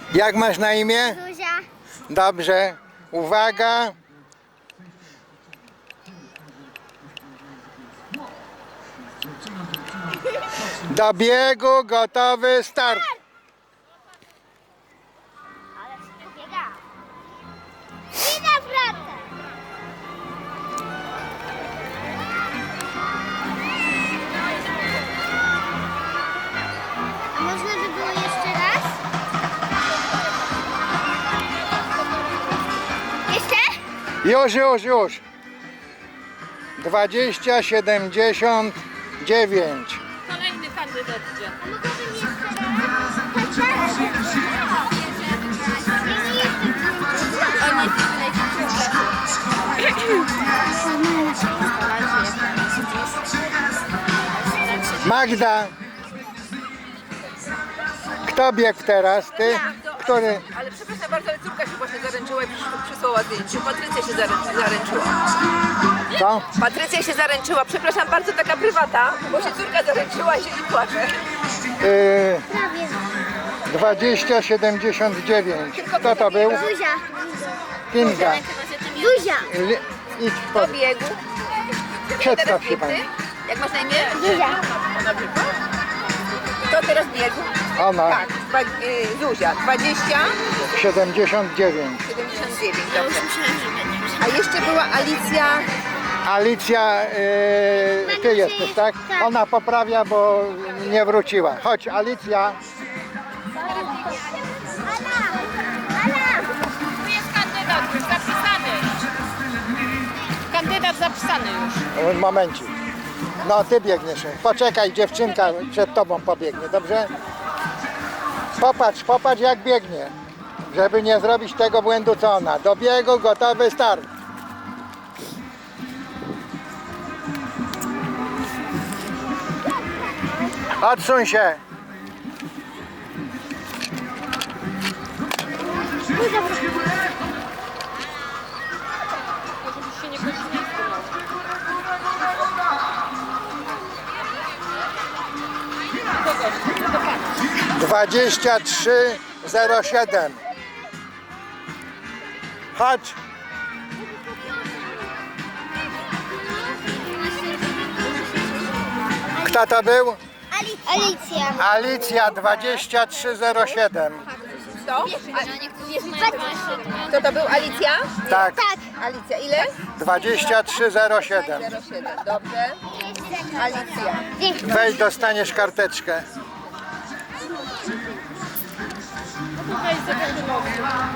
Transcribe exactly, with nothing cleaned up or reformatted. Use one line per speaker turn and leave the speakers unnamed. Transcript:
Jak masz na imię?
Zuzia.
Dobrze. Uwaga. Do biegu, gotowy, start.
Ale szybko biega. I nawracam. A można by było jeszcze raz? Jeszcze?
Już, już, już. Dwadzieścia siedemdziesiąt dziewięć.
Kolejny kandydat idzie.
A mogłabym jeszcze raz?
On jest w najlepszym.
Magda. Kto biegł teraz? Ty? Który?
Ale przepraszam bardzo, ale córka się właśnie zaręczyła i przysz- przysłała zdjęcie. Patrycja się zaręczy, zaręczyła.
Co?
Patrycja się zaręczyła, przepraszam bardzo, taka prywata, bo się córka zaręczyła i się nie płacze.
Yy,
Prawie.
dwadzieścia siedemdziesiąt dziewięć. Kto to był?
Zuzia.
Kinga.
Zuzia.
Li- Idź
Do
pod...
biegu.
Przedstaw się pani.
Jak masz na imię?
Zuzia.
Kto teraz biegł?
Ona.
Tak, dwa, y, Zuzia, dwadzieścia
siedemdziesiąt dziewięć.
siedemdziesiąt dziewięć, dobrze. A jeszcze była Alicja.
Alicja, yy, ty jesteś, tak? Ona poprawia, bo nie wróciła. Chodź, Alicja.
Tu jest kandydat już zapisany. Kandydat zapisany już.
Momencik. No, ty biegniesz. Poczekaj, dziewczynka przed tobą pobiegnie, dobrze? Popatrz, popatrz jak biegnie. Żeby nie zrobić tego błędu co ona. Do biegu, gotowy, start. Odsuń się. dwadzieścia trzy zero siedem. Chodź. Kto to był?
Alicja.
Alicja dwadzieścia trzy zero siedem.
Kto? A, kto to był? Alicja?
Tak,
Tak.
Alicja, ile?
dwadzieścia trzy zero siedem.
zero siedem, dobrze. Alicja.
Weź, dostaniesz karteczkę.
Tutaj jest